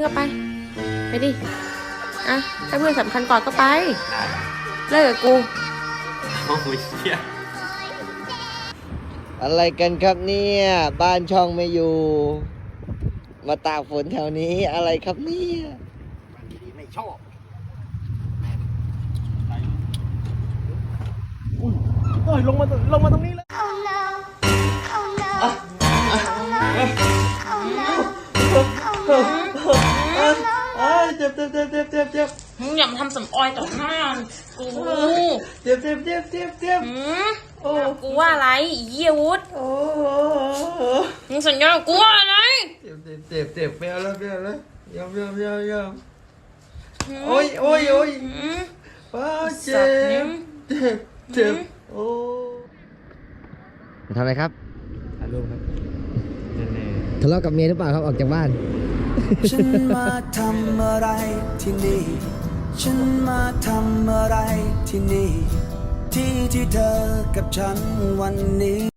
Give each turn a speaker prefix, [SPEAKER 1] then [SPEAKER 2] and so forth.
[SPEAKER 1] ก็ไปดิอ่ะถ้าเพื่อนสำคัญก่อนก็ไปเลิกกับกู
[SPEAKER 2] โอ้ยเชี่ย
[SPEAKER 3] อะไรกันครับเนี่ยบ้านช่องไม่อยู่ มาตากฝนแถวนี้อะไรครับเนี่ยไม่ชอบโอ้ยลงมาตรงนี้แล้วเจ็บ
[SPEAKER 1] อย่ามาทำสำออยต่อหน้ากู
[SPEAKER 3] เจ็บ
[SPEAKER 1] กูว่าอะไรเยี่ยวุฒมึงสัญญากูว่าอะไร
[SPEAKER 3] เจ็บไม่เอาแล้วยอมโอ้ยป้าเจ็บโอ้ทำอะไรครับถ่ายรูปครับทะเลาะกับเมียหรือเปล่าครับออกจากบ้าน
[SPEAKER 4] ฉันมาทำอะไรที่นี่ฉันมาทำอะไรที่นี่ที่เธอกับฉันวันนี้